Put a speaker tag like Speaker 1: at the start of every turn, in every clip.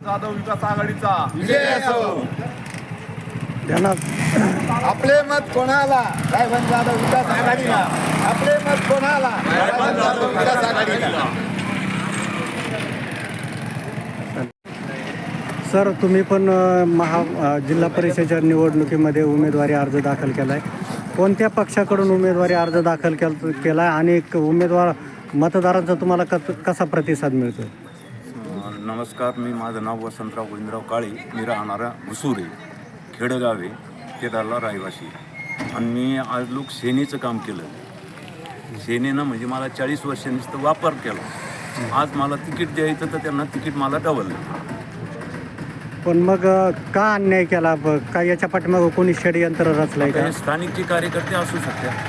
Speaker 1: जाधव विकास आघाडीचा
Speaker 2: विजय असो.
Speaker 3: आपले मत कोणाला? रायबंद जाधव विकास आघाडीला. आपले मत कोणाला?
Speaker 2: रायबंद जाधव विकास आघाडीला.
Speaker 4: सर, तुम्ही पण जिल्हा परिषदेच्या निवडणुकीमध्ये उमेदवारी अर्ज दाखल केला आहे. कोणत्या पक्षाकडून उमेदवारी अर्ज दाखल केला आहे आणि उमेदवार मतदारांचा तुम्हाला कसा प्रतिसाद मिळतो?
Speaker 5: नमस्कार, माझं नाव वसंतराव गोविंदराव काळे. मी राहणारा घुसुरे खेडगाव आहे, केदारला रहिवासी. आणि मी आज लोक सेनेचं काम केलं. सेनेनं म्हणजे मला 40 वर्षांनी वापर केला. आज मला तिकीट द्यायचं तर त्यांना तिकीट मला डबल.
Speaker 4: पण मग का अन्याय केला? का याच्या पाठीमागं कोणी षडयंत्र रचलंय का?
Speaker 5: स्थानिकचे कार्यकर्ते असू शकतात.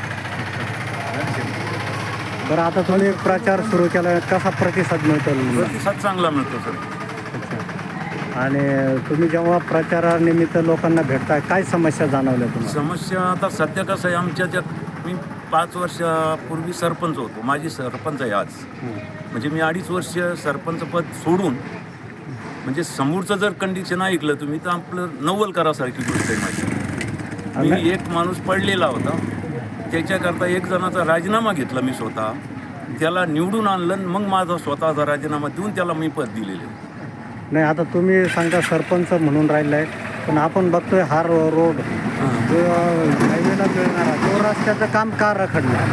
Speaker 4: बरं, आता तुम्ही प्रचार सुरू केला, कसा प्रतिसाद मिळतो?
Speaker 5: प्रतिसाद चांगला मिळतो सर.
Speaker 4: आणि तुम्ही जेव्हा प्रचारानिमित्त लोकांना भेटताय, काय समस्या जाणवल्या तुम्हाला?
Speaker 5: समस्या आता सध्या कसं आहे, आमच्या मी 5 वर्षापूर्वी सरपंच होतो. माझी सरपंच आहे आज. म्हणजे मी 2.5 वर्ष सरपंच पद सोडून, म्हणजे समोरचं जर कंडिशन ऐकलं तुम्ही तर आपलं नवल करासारखी गोष्ट आहे माझी. मी एक माणूस पडलेला होता, त्याच्याकरता एक जणाचा राजीनामा घेतला मी स्वतः. त्याला निवडून आणलं, मग माझा स्वतःचा राजीनामा देऊन त्याला मी पद दिलेले.
Speaker 4: नाही, आता तुम्ही सांगा सरपंच म्हणून राहिला आहे, पण आपण बघतोय हा रोड जो हायवेला मिळणारा तो रस्त्याचं काम का रखडलं?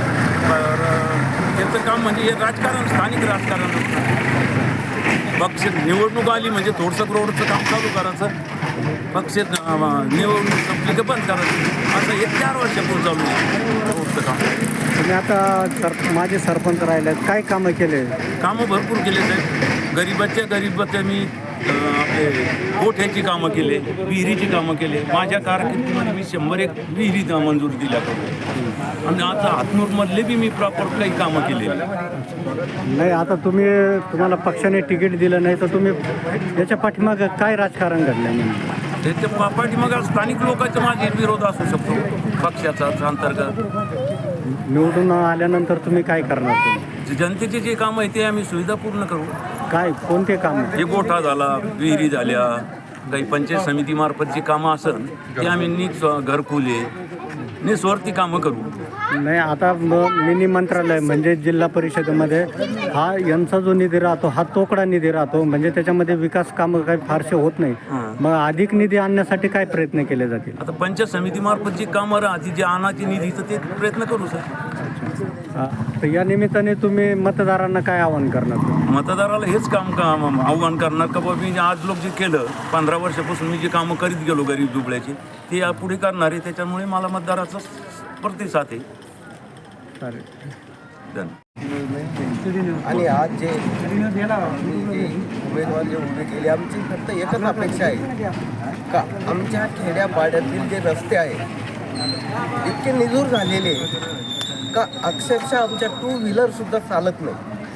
Speaker 5: त्याचं काम म्हणजे हे राजकारण, स्थानिक राजकारण. पक्ष निवडणूक आली म्हणजे थोडंसं रोडचं काम चालू करायचं, पक्ष निवडणूक संपली की बंद करायचं. असं 1-4 वर्षापूर्वी चालू आहे रोडचं काम.
Speaker 4: तुम्ही आता माझे सरपंच राहिले आहेत, काय कामं केले?
Speaker 5: कामं भरपूर केले साहेब. गरीबाच्या मी आपले गोठ्याची कामं केले, विहिरीची कामं केले. माझ्या कारकिर्दीमध्ये मी 101 विहिरी मंजूर दिल्या करून. आणि आता हातनूरमधले बी मी प्रॉपर काही कामं केलेली.
Speaker 4: नाही, आता तुम्हाला पक्षाने तिकीट दिलं नाही तर तुम्ही याच्या पाठीमागं काय राजकारण घडलं म्हणजे?
Speaker 5: त्याच्या पाठीमागं स्थानिक लोकांचा माझे विरोध असू शकतो, पक्षाचा अंतर्गत.
Speaker 4: निवडून आल्यानंतर तुम्ही काय करणार?
Speaker 5: जनतेचे जे कामं आहे ते आम्ही सुविधा पूर्ण करू.
Speaker 4: काय, कोणते काम?
Speaker 5: हे गोठा झाला, विहिरी झाल्या, काही पंचायत समितीमार्फत जी कामं असेल ते आम्ही घरकुले निस्वार्थी कामं करू.
Speaker 4: नाही, आता मिनी मंत्रालय म्हणजे जिल्हा परिषदेमध्ये यांचा जो निधी राहतो हा तोकडा निधी राहतो, म्हणजे त्याच्यामध्ये विकास कामं काही फारसे होत नाही. मग अधिक निधी आणण्यासाठी काय प्रयत्न केले जातील?
Speaker 5: आता पंचायत समितीमार्फत जी कामं राहते, जे आणाची निधीचं ते प्रयत्न करू सर.
Speaker 4: तर या निमित्ताने तुम्ही मतदारांना काय आवाहन करणार?
Speaker 5: मतदाराला हेच काम आव्हान करणार का बाबा, मी आज लोक जे केलं 15 वर्षापासून मी जे कामं करीत गेलो गरीब दुबळ्याची, ते यापुढे करणार आहे. त्याच्यामुळे मला मतदाराचा प्रतिसाद आहे.
Speaker 3: आणि आज जे उमेदवार जे उभे केले, आमची फक्त एकच अपेक्षा आहे का आमच्या खेड्यापाड्यातील जे रस्ते आहेत इतके निजूर झालेले का अक्षरशः आमच्या 2 व्हीलरसुद्धा चालत नाही.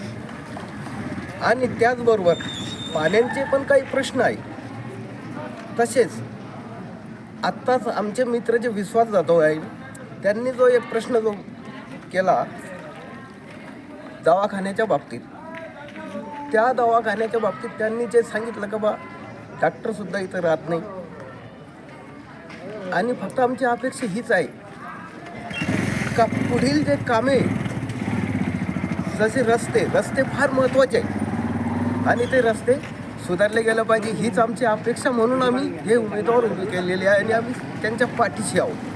Speaker 3: आणि त्याचबरोबर पाण्याचे पण काही प्रश्न आहे. तसेच आत्ताच आमचे मित्र जे विश्वास जाधव आहे त्यांनी जो एक प्रश्न जो केला दवाखान्याच्या बाबतीत, त्या दवाखान्याच्या बाबतीत त्यांनी जे सांगितलं का बा डॉक्टरसुद्धा इथं राहत नाही. आणि फक्त आमची अपेक्षा हीच आहे का पुढील जे कामे, जसे रस्ते फार महत्त्वाचे आहे आणि ते रस्ते सुधारले गेलं पाहिजे, हीच आमची अपेक्षा. म्हणून आम्ही हे उमेदवार उभे केलेले आहे आणि आम्ही त्यांच्या पाठीशी आहोत.